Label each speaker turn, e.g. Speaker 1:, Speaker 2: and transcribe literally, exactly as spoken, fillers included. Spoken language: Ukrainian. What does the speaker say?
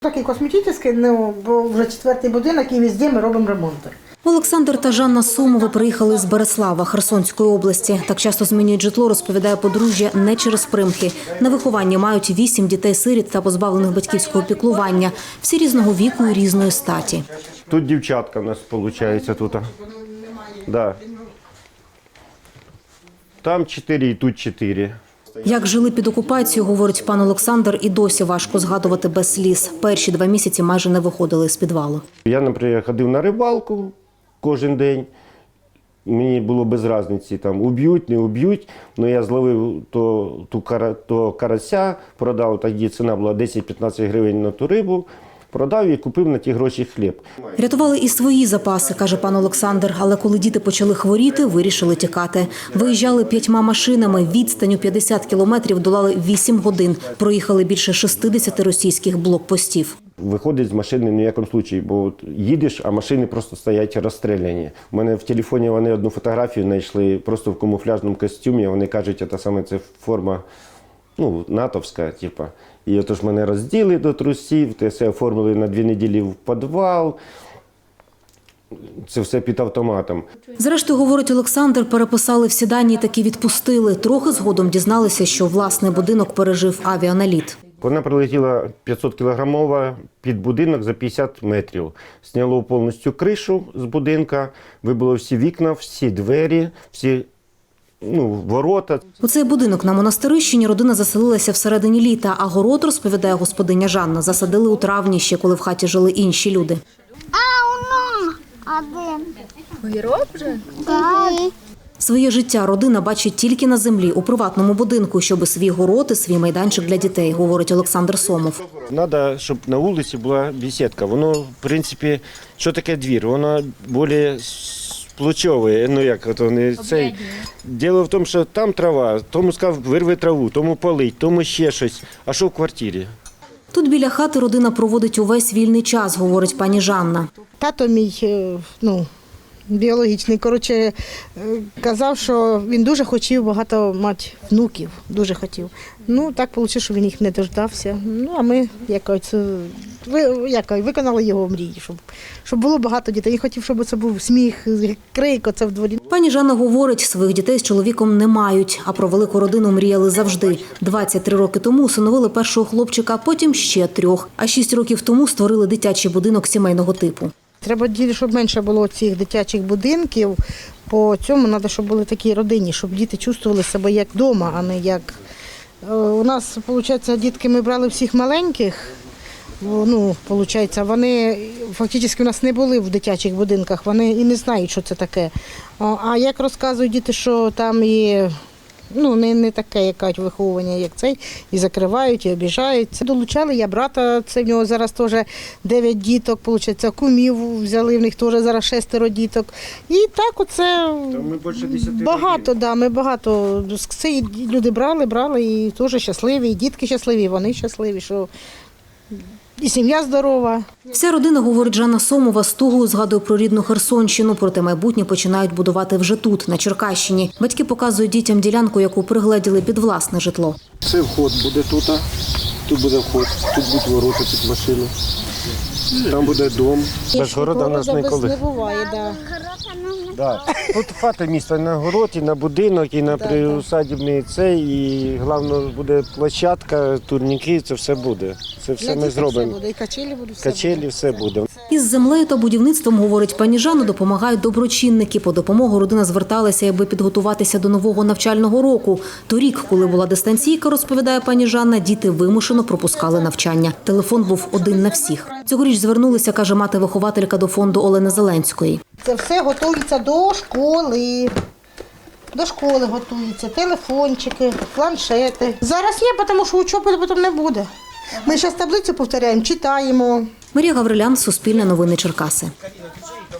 Speaker 1: Такий косметичний, ну, бо вже четвертий будинок і везде ми робимо ремонти.
Speaker 2: Олександр та Жанна Сомови приїхали з Береслава Херсонської області. Так часто змінюють житло, розповідає подружжя, не через примхи. На вихованні мають вісім дітей-сиріт та позбавлених батьківського піклування. Всі різного віку і різної статі.
Speaker 3: Тут дівчатка у нас виходить тут. Да. Там чотири і тут чотири.
Speaker 2: Як жили під окупацією, говорить пан Олександр, і досі важко згадувати без сліз. Перші два місяці майже не виходили з підвалу.
Speaker 3: Я, наприклад, ходив на рибалку кожен день. Мені було без різниці, там уб'ють, не уб'ють. Але я зловив то, ту, то карася, продав, тоді ціна була десять-п'ятнадцять гривень на ту рибу. Продав і купив на ті гроші хліб.
Speaker 2: Рятували і свої запаси, каже пан Олександр. Але коли діти почали хворіти, вирішили тікати. Виїжджали п'ятьма машинами. Відстань у п'ятдесят кілометрів долали вісім годин. Проїхали більше шістдесят російських блокпостів.
Speaker 3: Виходить з машини ні в якому випадку, бо от їдеш, а машини просто стоять розстріляні. У мене в телефоні вони одну фотографію знайшли просто в камуфляжному костюмі. Вони кажуть, це саме це форма, ну, натовська, типу. І отож мене розділи до трусів, те все оформили на дві неділі в підвал. Це все під автоматом.
Speaker 2: Зрештою, говорить Олександр, переписали всі дані і таки відпустили. Трохи згодом дізналися, що власний будинок пережив авіаналіт.
Speaker 3: Вона прилетіла п'ятсот кілограмова під будинок за п'ятдесят метрів. Сняло повністю кришу з будинка, вибило всі вікна, всі двері, всі ну, ворота.
Speaker 2: У цей будинок на Монастирищині родина заселилася всередині літа, а город, розповідає господиня Жанна, засадили у травні, ще коли в хаті жили інші люди.
Speaker 4: А, воно один.
Speaker 5: Огірок вже?
Speaker 4: Так.
Speaker 2: Своє життя родина бачить тільки на землі, у приватному будинку, щоб свій город і свій майданчик для дітей, говорить Олександр Сомов.
Speaker 3: Треба, щоб на вулиці була бесідка. Воно, в принципі, що таке двір? Воно більш сплочове. Ну, як от вони цей. Діло в тому, що там трава, тому сказав, вирви траву, тому полить, тому ще щось. А що в квартирі?
Speaker 2: Тут біля хати родина проводить увесь вільний час, говорить пані Жанна.
Speaker 1: Тато мій, ну, біологічний, коротше, казав, що він дуже хотів багато мати внуків, дуже хотів. Ну, так вийшло, що він їх не дождався. Ну, а ми якось, якось виконали його мрії, щоб, щоб було багато дітей. Він хотів, щоб це був сміх, крик, оце в дворі.
Speaker 2: Пані Жанна говорить, своїх дітей з чоловіком не мають, а про велику родину мріяли завжди. двадцять три роки тому усиновили першого хлопчика, потім ще трьох. А шість років тому створили дитячий будинок сімейного типу.
Speaker 1: Треба, щоб менше було цих дитячих будинків, по цьому треба, щоб були такі родинні, щоб діти чувствували себе як вдома, а не як… У нас, виходить, дітки ми брали всіх маленьких, ну, виходить, вони фактично у нас не були в дитячих будинках, вони і не знають, що це таке. А як розказують діти, що там і… Ну, не, не таке якась виховування, як цей, і закривають, і обіжають. Це долучали, я брата, це в нього зараз теж дев'ять діток, виходить, кумів взяли, в них теж зараз шестеро діток. І так оце
Speaker 3: ми більше десяти
Speaker 1: багато, да, ми багато. Це люди брали, брали, і теж щасливі, і дітки щасливі, і вони щасливі, що і сім'я здорова.
Speaker 2: Вся родина, говорить Жанна Сомова, з тугою згадує про рідну Херсонщину, проте майбутнє починають будувати вже тут, на Черкащині. Батьки показують дітям ділянку, яку пригледіли під власне житло.
Speaker 3: Це вход буде тут, тут буде вход, тут будуть ворота під машину, там буде дом. Без города в нас ніколи
Speaker 1: не буває, да.
Speaker 3: Да. Тут хата міста на город, і на будинок, і на приусадібний цей, і головне буде площадка, турніки, це все буде. Це все ми зробимо.
Speaker 1: І качелі будуть.
Speaker 3: Качелі, все буде.
Speaker 2: Із землею та будівництвом, говорить пані Жанна, допомагають доброчинники. По допомогу родина зверталася, аби підготуватися до нового навчального року. Торік, коли була дистанційка, розповідає пані Жанна, діти вимушено пропускали навчання. Телефон був один на всіх. Цьогоріч звернулися, каже мати-вихователька, до фонду Олени Зеленської.
Speaker 1: Це все готується до школи. До школи готуються, телефончики, планшети. Зараз є, тому що учоби потім не буде. Ми зараз таблицю повторяємо, читаємо.
Speaker 2: Марія Гаврилян, Суспільне новини, Черкаси.